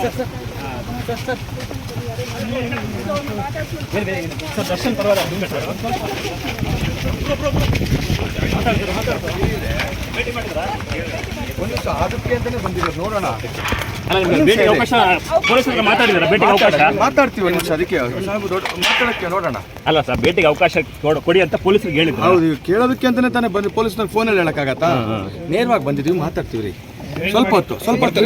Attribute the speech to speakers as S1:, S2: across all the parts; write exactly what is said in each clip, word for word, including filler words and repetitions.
S1: ದರ್ಶನ್ ಪರವಾಗಿಲ್ಲ ಒಂದು ಅದಕ್ಕೆ ಅಂತಾನೆ ಬಂದಿರೋದು ನೋಡೋಣ. ಮಾತಾಡ್ತೀವಿ ಒಂದು ನಿಮಿಷ ಅದಕ್ಕೆ ಮಾತಾಡಕ್ಕೆ ನೋಡೋಣ.
S2: ಅಲ್ಲ ಸರ್ ಭೇಟಿಗೆ ಅವಕಾಶ ಕೊಡಿ ಅಂತ ಪೊಲೀಸರಿಗೆ ಹೇಳಿದ್ರು.
S1: ಹೌದು ಕೇಳೋದಕ್ಕೆ ಅಂತಾನೆ ತಾನೇ ಬಂದು ಪೊಲೀಸ್ನ ಫೋನಲ್ಲಿ ಹೇಳಕ್ಕಾಗತ್ತಾ? ನೇರವಾಗಿ ಬಂದಿದ್ದೀವಿ, ಮಾತಾಡ್ತೀವಿ ರೀ. ಸ್ವಲ್ಪ ಹೊತ್ತು ಸ್ವಲ್ಪ ಹೊತ್ತು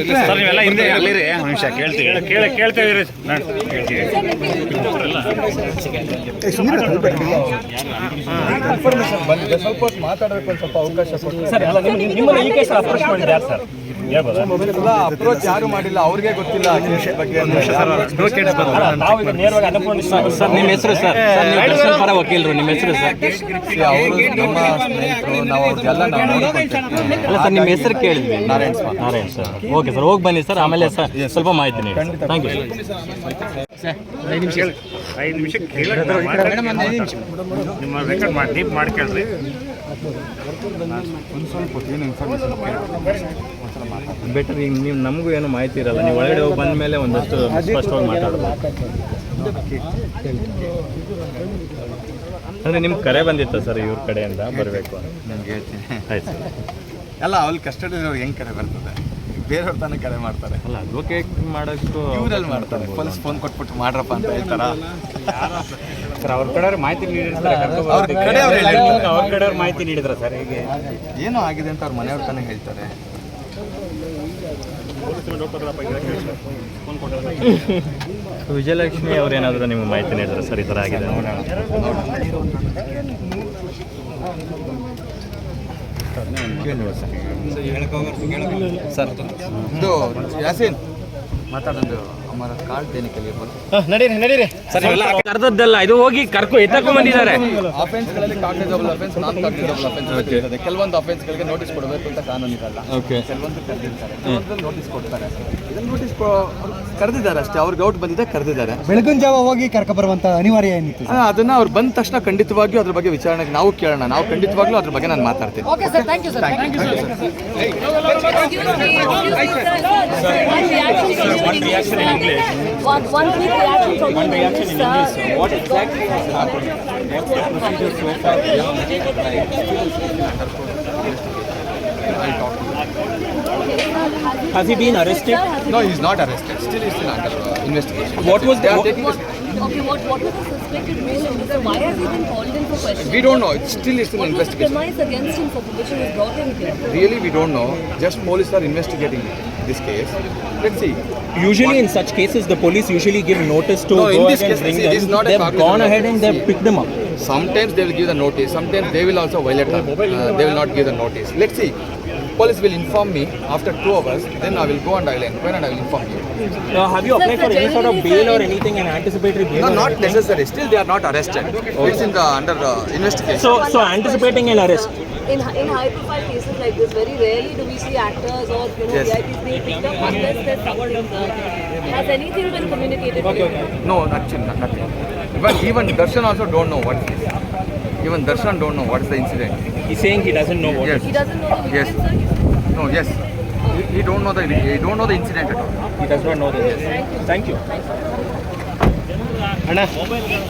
S1: ಇನ್ಫಾರ್ಮೇಶನ್ ಬಂದಿದೆ, ಸ್ವಲ್ಪ ಹೊತ್ತು ಮಾತಾಡೋದಕ್ಕೆ ಒಂದು ಸ್ವಲ್ಪ ಅವಕಾಶ ಅಪ್ರೋಚ್ ಯಾರು ಮಾಡಿಲ್ಲ, ಅವ್ರಿಗೆ ಗೊತ್ತಿಲ್ಲ ಬಗ್ಗೆ.
S3: ನಿಮ್ಮ ಹೆಸರು ಸರ್? ಪರ ವಕೀಲರು, ನಿಮ್ಮ ಹೆಸರು ಸರ್?
S1: ಅವರು ನಮ್ಮ ಸ್ನೇಹಿತರು, ನಾವು ಅವ್ರಿಗೆಲ್ಲ ನಾವು ನೋಡ್ಕೊಳ್ತೀವಿ.
S3: ಅಲ್ಲ ಸರ್, ನಿಮ್ಮ ಹೆಸರು ಕೇಳಿದ್ವಿ. Narayan Swamy. Narayan sir, okay sir, ಹೋಗಿ ಬನ್ನಿ ಸರ್. ಆಮೇಲೆ ಸರ್ ಸ್ವಲ್ಪ ಮಾಹಿತಿ ನೀಡಿ. Thank you sir.
S2: ಐದು ನಿಮಿಷ ಐದು ನಿಮಿಷ ನಿಮ್ಮ ರೆಕಾರ್ಡ್ ಮಾಡಿ ಡೀಪ್ ಮಾಡ್ಕೊಳ್ರಿ.
S1: ಒಂದು ಸ್ವಲ್ಪ ಏನು ಇನ್ಫಾರ್ಮೇಷನ್
S3: ಬೆಟರ್. ಈಗ ನೀವು ನಮಗೂ ಏನು ಮಾಹಿತಿ ಇರಲ್ಲ, ನೀವು ಒಳಗಡೆ ಹೋಗಿ ಬಂದ ಮೇಲೆ ಒಂದಷ್ಟು ಸ್ಪಷ್ಟವಾಗಿ ಮಾತಾಡೋದು. ಅಂದರೆ ನಿಮ್ಗೆ ಕರೆ ಬಂದಿತ್ತು ಸರ್ ಇವ್ರ ಕಡೆಯಿಂದ ಬರಬೇಕು?
S1: ನನಗೆ ಹೇಳ್ತೀನಿ.
S3: ಆಯ್ತು ಸರ್.
S1: ಎಲ್ಲ ಅಲ್ಲಿ ಕಸ್ಟಡಿಯವ್ರು ಹೆಂಗೆ ಕರೆ ಬರ್ತದೆ? ಬೇರೆಯವ್ರ ತಾನೇ ಕರೆ ಮಾಡ್ತಾರೆ.
S3: ಅಲ್ಲ ಅಡ್ವೊಕೇಟ್ ಮಾಡೋಕ್ಕೂ
S1: ಇವರಲ್ಲಿ ಮಾಡ್ತಾರೆ. ಪೊಲೀಸ್ ಫೋನ್ ಕೊಟ್ಬಿಟ್ಟು ಮಾಡ್ರಪ್ಪ ಅಂತ ಹೇಳ್ತಾರ.
S2: ಸರ್ ಅವ್ರ ಕಡೆಯವ್ರು ಮಾಹಿತಿ ನೀಡಿರ್ತಾರೆ.
S1: ಅವ್ರ ಕಡೆಯವ್ರು ಹೇಳಿರ್ತಾರೆ.
S2: ಅವ್ರ ಕಡೆಯವ್ರು ಮಾಹಿತಿ ನೀಡಿದ್ರ ಸರ್? ಹೇಗೆ
S1: ಏನೋ ಆಗಿದೆ ಅಂತ ಅವ್ರ ಮನೆಯವ್ರ ತಾನೇ ಹೇಳ್ತಾರೆ.
S3: ವಿಜಯಲಕ್ಷ್ಮಿ ಅವ್ರೇನಾದರೂ ನಿಮ್ಗೆ ಮಾಹಿತಿ ನೀಡಿದ್ರೆ ಸರ್ ಈ ಥರ ಆಗಿದೆ
S1: ಸರ್? ಇದು ಯಾಸೀನ್ ಮಾತಾಡೋದು ಹಮಾರ ಕಾರ್ಡ್ ದೇನೆ ಕೆ ಲಿಯೆ ಬೋಲೋ.
S3: ನಡೀರಿ ನಡೀರಿ ಸರ್. ಕರೆದದ್ದಲ್ಲ, ಇದು ಹೋಗಿ ಕರ್ಕೊ ಎತ್ತಕೊಂಡ್ ಬಂದಿದ್ದಾರೆ.
S1: ಅಫೆನ್ಸ್ಗಳಲ್ಲಿ cognisable offence, non cognisable offence ಇರ್ತದೆ. ಕೆಲವೊಂದು ಅಫೆನ್ಸ್ಗಳಿಗೆ ನೋಟಿಸ್ ಕೊಡಬೇಕು ಅಂತ ಕಾನೂನು ಇರಲ್ಲ. ಕೆಲವೊಂದು ಕರೆದಿರ್ತಾರೆ, ಕೆಲವೊಂದು ನೋಟಿಸ್ ಕೊಡ್ತಾರೆ. ಇದನ್ನು ನೋಟಿಸ್ ಕರೆದಿದ್ದಾರೆ ಅಷ್ಟೇ. ಅವ್ರಿಗೆ ಔಟ್ ಬಂದಿದೆ, ಕರೆದಿದ್ದಾರೆ.
S4: ಬೆಳಗಿನ ಜಾವ ಹೋಗಿ ಕರ್ಕೊ ಬರುವಂತ ಅನಿವಾರ್ಯ ಏನಿತ್ತು?
S1: ಅದನ್ನ ಅವ್ರು ಬಂದ ತಕ್ಷಣ ಖಂಡಿತವಾಗಿಯೂ ಅದ್ರ ಬಗ್ಗೆ ವಿಚಾರಣೆಗೆ ನಾವು ಕೇಳೋಣ. ನಾವು ಖಂಡಿತವಾಗ್ಲೂ ಅದ್ರ ಬಗ್ಗೆ ನಾನು ಮಾತಾಡ್ತೀನಿ.
S5: One reaction in English. One, one quick reaction from
S2: One reaction in English. What exactly has happened? What's the procedure so far?
S1: I'll talk to you.
S2: Has he been arrested?
S1: No, he's not arrested. Still, he's still under uh, investigation.
S2: What was
S1: they
S2: the?
S1: are
S2: What,
S1: taking
S2: what,
S5: Okay, what, what was the suspected reason? Why has he been called in for questioning?
S1: we don't know. It's still is still
S5: What was the
S1: investigation.
S5: premise against him for which he was brought in here?
S1: Really, we don't know. Just police are investigating this case. Let's see.
S2: usually, in such cases, the police usually give notice to
S1: No, in
S2: go
S1: this
S2: ahead and
S1: case,
S2: bring
S1: see,
S2: them.
S1: this is not a
S2: They've
S1: cognizable
S2: gone ahead and
S1: offense.
S2: they've picked them up.
S1: Sometimes they will give the notice. Sometimes they will also violate. Uh, they will not give the notice. Let's see. Police will inform me after two hours. Then I will go and I will inquire and I will inform you.
S2: Uh, have you applied for any sort of bail or anything, an anticipatory bail?
S1: No,
S2: or
S1: not
S2: anything?
S1: necessary. Still, they are not arrested. It's in the under uh, investigation.
S2: So, so anticipating an arrest.
S5: In, in high-profile cases like this, very rarely do we see actors or you know
S1: Yes.
S5: V I Ps being picked up unless there's something. Uh, has anything been communicated to you?
S1: No, nothing, nothing. Even even Darshan also don't know what is this. Even Darshan don't know what is the incident.
S2: He's saying he doesn't know what.
S1: Yes.
S5: He doesn't know the
S1: Yes.
S5: incident, sir?
S1: No, yes. He, he don't know the he don't know the incident at all.
S2: He does not know this. Thank you. Thank you. Anna.